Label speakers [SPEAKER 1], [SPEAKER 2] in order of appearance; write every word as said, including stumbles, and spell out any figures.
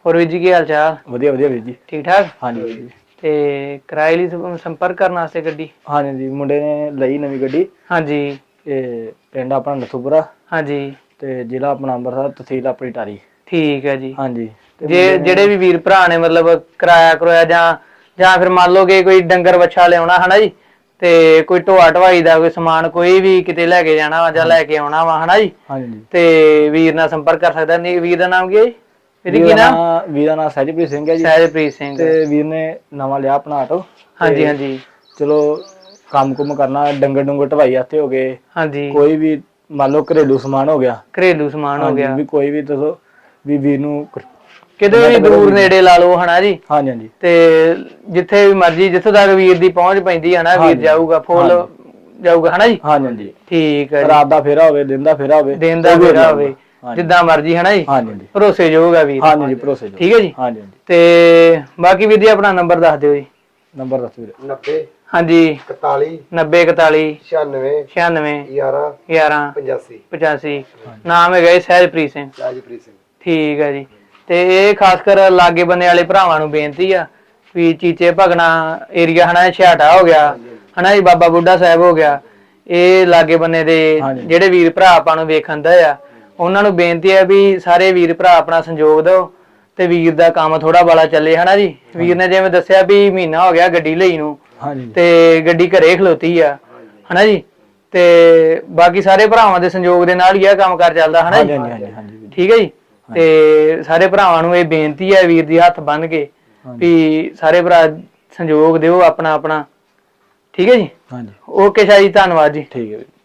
[SPEAKER 1] ਹੋਰ ਵੀਰ ਜੀ ਕੀ ਹਾਲ ਚਾਲ?
[SPEAKER 2] ਵਧੀਆ ਵਧੀਆ ਵੀਰ ਜੀ,
[SPEAKER 1] ਠੀਕ ਠਾਕ।
[SPEAKER 2] ਹਾਂਜੀ ਵੀਰ ਜੀ।
[SPEAKER 1] ਤੇ ਕਿਰਾਏ ਲਈ ਸੰਪਰਕ ਕਰਨ ਵਾਸਤੇ ਗੱਡੀ?
[SPEAKER 2] ਹਾਂਜੀ ਜੀ, ਮੁੰਡੇ ਨੇ ਲਈ ਨਵੀਂ ਗੱਡੀ।
[SPEAKER 1] ਹਾਂਜੀ।
[SPEAKER 2] ਤੇ ਪਿੰਡ ਆਪਣਾ ਨਥੂਪੁਰਾ।
[SPEAKER 1] ਹਾਂਜੀ।
[SPEAKER 2] ਤੇ ਜ਼ਿਲ੍ਹਾ ਆਪਣਾ ਅੰਮ੍ਰਿਤਸਰ, ਤਹਿਸੀਲ ਆਪਣੀ ਟਾਰੀ।
[SPEAKER 1] ਠੀਕ ਹੈ ਜੀ।
[SPEAKER 2] ਹਾਂਜੀ। ਤੇ
[SPEAKER 1] ਜੇ
[SPEAKER 2] ਮੁੰਡੇ ਨੇ
[SPEAKER 1] ਜਿਹੜੇ ਵੀ ਵੀਰ ਭਰਾ ਨੇ ਮਤਲਬ ਕਿਰਾਇਆ ਕਰਵਾਇਆ ਜਾਂ ਜਾਂ ਫਿਰ ਮੰਨ ਲਓ ਕਿ ਕੋਈ ਡੰਗਰ ਵੱਛਾ ਲਿਆਉਣਾ ਹਨਾ ਜੀ, ਤੇ ਕੋਈ ਢੋਆ ਢਵਾਈ ਦਾ ਕੋਈ ਸਮਾਨ ਕੋਈ ਵੀ ਕਿਤੇ ਲੈ ਕੇ ਜਾਣਾ ਵਾ ਜਾਂ ਲੈ ਕੇ ਆਉਣਾ ਵਾ ਹਨਾ ਜੀ,
[SPEAKER 2] ਹਾਂਜੀ।
[SPEAKER 1] ਤੇ ਵੀਰ ਨਾਲ ਸੰਪਰਕ ਕਰ ਸਕਦਾ। ਨਹੀਂ ਵੀਰ ਦਾ ਨਾਮ ਕੀ ਹੈ ਜੀ?
[SPEAKER 2] ਵੀਰ ਦਾ ਨਾਂ ਵੀਰ ਦਾ ਨਾਂ ਸਹਿਜਪ੍ਰੀਤ ਸਿੰਘ ਹੈ ਜੀ।
[SPEAKER 1] ਸਹਿਜਪ੍ਰੀਤ ਸਿੰਘ।
[SPEAKER 2] ਤੇ ਵੀਰ ਨੇ ਨਵਾਂ ਲਿਆ ਆਪਣਾ ਆਟੋ।
[SPEAKER 1] ਹਾਂਜੀ
[SPEAKER 2] ਤੇ
[SPEAKER 1] ਹਾਂਜੀ।
[SPEAKER 2] ਚਲੋ ਕੰਮ ਕੁਮ ਕਰਨਾ, ਡੰਗਰ ਡੁੰਗਰ ਢਵਾਈ ਵਾਸਤੇ ਹੋ ਗਏ,
[SPEAKER 1] ਹਾਂਜੀ।
[SPEAKER 2] ਕੋਈ ਵੀ ਮੰਨ ਲਓ ਘਰੇਲੂ ਸਮਾਨ ਹੋ ਗਿਆ।
[SPEAKER 1] ਘਰੇਲੂ ਸਮਾਨ ਹੋ
[SPEAKER 2] ਹਾਂਜੀ
[SPEAKER 1] ਗਿਆ।
[SPEAKER 2] ਵੀ ਕੋਈ ਵੀ ਦੱਸੋ ਵੀ ਵੀਰ ਨੂੰ
[SPEAKER 1] ਕਿਤੇ ਵੀ
[SPEAKER 2] ਕਨੈਕਟ ਕਰੋ
[SPEAKER 1] ਦੂਰ
[SPEAKER 2] ਵੀਰ ਨਾਲ।
[SPEAKER 1] ਨੇੜੇ ਲਾ ਲਓ ਹਨਾ ਜੀ।
[SPEAKER 2] ਹਾਂਜੀ ਹਾਂਜੀ।
[SPEAKER 1] ਤੇ ਜਿੱਥੇ ਵੀ ਮਰਜੀ ਜਿੱਥੋਂ ਤੱਕ ਵੀਰ ਦੀ ਪਹੁੰਚ ਪੈਂਦੀ ਹੈ ਨਾ, ਵੀਰ
[SPEAKER 2] ਹਾਂਜੀ
[SPEAKER 1] ਜਾਊਗਾ ਫੁੱਲ
[SPEAKER 2] ਹਾਂਜੀ
[SPEAKER 1] ਜਾਊਗਾ ਹਨਾ ਜੀ।
[SPEAKER 2] ਹਾਂਜੀ ਹਾਂਜੀ।
[SPEAKER 1] ਠੀਕ ਹੈ ਜੀ।
[SPEAKER 2] ਰਾਤ ਦਾ ਫੇਰਾ ਹੋਵੇ, ਦਿਨ ਦਾ ਫੇਰਾ ਹੋਵੇ,
[SPEAKER 1] ਦਿਨ ਦਾ
[SPEAKER 2] ਉਹ ਵੀ
[SPEAKER 1] ਫੇਰਾ
[SPEAKER 2] ਅਲਾਊਡ ਆ।
[SPEAKER 1] ਹੋਵੇ,
[SPEAKER 2] ਹਾਂਜੀ
[SPEAKER 1] ਜਿੱਦਾਂ ਮਰਜੀ ਹਨਾ ਜੀ।
[SPEAKER 2] ਹਾਂਜੀ ਹਾਂਜੀ।
[SPEAKER 1] ਭਰੋਸੇਯੋਗ ਆ ਵੀਰ।
[SPEAKER 2] ਹਾਂਜੀ ਜੀ, ਭਰੋਸੇਯੋਗ।
[SPEAKER 1] ਠੀਕ ਹੈ ਜੀ।
[SPEAKER 2] ਹਾਂਜੀ ਹਾਂਜੀ।
[SPEAKER 1] ਤੇ ਬਾਕੀ ਵੀਰ ਜੀ ਆਪਣਾ ਨੰਬਰ ਦੱਸ ਦਿਓ ਜੀ।
[SPEAKER 2] ਨੰਬਰ ਦੱਸੋ ਵੀਰੇ।
[SPEAKER 3] ਨੱਬੇ
[SPEAKER 1] ਹਾਂਜੀ।
[SPEAKER 3] ਇਕਤਾਲੀ
[SPEAKER 1] ਨੱਬੇ ਇਕਤਾਲੀ
[SPEAKER 3] ਛਿਆਨਵੇਂ
[SPEAKER 1] ਛਿਆਨਵੇਂ
[SPEAKER 3] ਗਿਆਰਾਂ
[SPEAKER 1] ਗਿਆਰਾਂ
[SPEAKER 3] ਪਚਾਸੀ
[SPEAKER 1] ਪਚਾਸੀ। ਨਾਮ ਹੈਗਾ ਜੀ ਸਹਿਜਪ੍ਰੀਤ ਸਿੰਘ।
[SPEAKER 3] ਸਹਿਜਪ੍ਰੀਤ ਸਿੰਘ।
[SPEAKER 1] ਠੀਕ ਹੈ ਜੀ। ਤੇ ਇਹ ਖਾਸ ਕਰ ਲਾਗੇ ਬੰਨੇ ਵਾਲੇ ਭਰਾਵਾਂ ਨੂੰ ਬੇਨਤੀ ਆ ਵੀ ਚੀਚੇ ਭਗਣਾ ਏਰੀਆ ਹਨਾ, ਛਿਆਟਾ ਹੋ ਗਿਆ ਹਨਾ ਜੀ, ਬਾਬਾ ਬੁੱਢਾ ਸਾਹਿਬ ਹੋ ਗਿਆ, ਇਹ ਲਾਗੇ ਬੰਨੇ ਦੇ ਜਿਹੜੇ ਵੀਰ ਭਰਾ ਆਪਾਂ ਨੂੰ ਵੇਖਣ ਦਾ ਆ, ਉਹਨਾਂ ਨੂੰ ਬੇਨਤੀ ਹੈ ਵੀ ਸਾਰੇ ਵੀਰ ਭਰਾ ਆਪਣਾ ਸੰਯੋਗ ਦਿਓ ਤੇ ਵੀਰ ਦਾ ਕੰਮ ਥੋੜਾ ਬਾਲਾ ਚੱਲੇ ਹਨਾ ਜੀ। ਵੀਰ ਨੇ ਜਿਵੇਂ ਦੱਸਿਆ ਵੀ ਮਹੀਨਾ ਹੋ ਗਿਆ ਗੱਡੀ ਲਈ ਨੂੰ, ਤੇ ਗੱਡੀ ਘਰੇ ਖਲੋਤੀ ਆ ਹਨਾ ਜੀ। ਤੇ ਬਾਕੀ ਸਾਰੇ ਭਰਾਵਾਂ ਦੇ ਸੰਯੋਗ ਦੇ ਨਾਲ ਹੀ ਇਹ ਕੰਮ ਕਾਰ ਚੱਲਦਾ ਹਨਾ ਜੀ। ਠੀਕ ਹੈ ਜੀ। ਤੇ ਸਾਰੇ ਭਰਾਵਾਂ ਨੂੰ ਇਹ ਬੇਨਤੀ ਹੈ ਵੀਰ ਦੀ ਹੱਥ ਬੰਨ ਕੇ ਵੀ ਸਾਰੇ ਭਰਾ ਸੰਯੋਗ ਦਿਓ ਆਪਣਾ ਆਪਣਾ। ਠੀਕ ਹੈ ਜੀ।
[SPEAKER 2] ਹਾਂਜੀ।
[SPEAKER 1] ਓਕੇ ਸ਼ਾਹ ਜੀ, ਧੰਨਵਾਦ ਜੀ।
[SPEAKER 2] ਠੀਕ ਹੈ।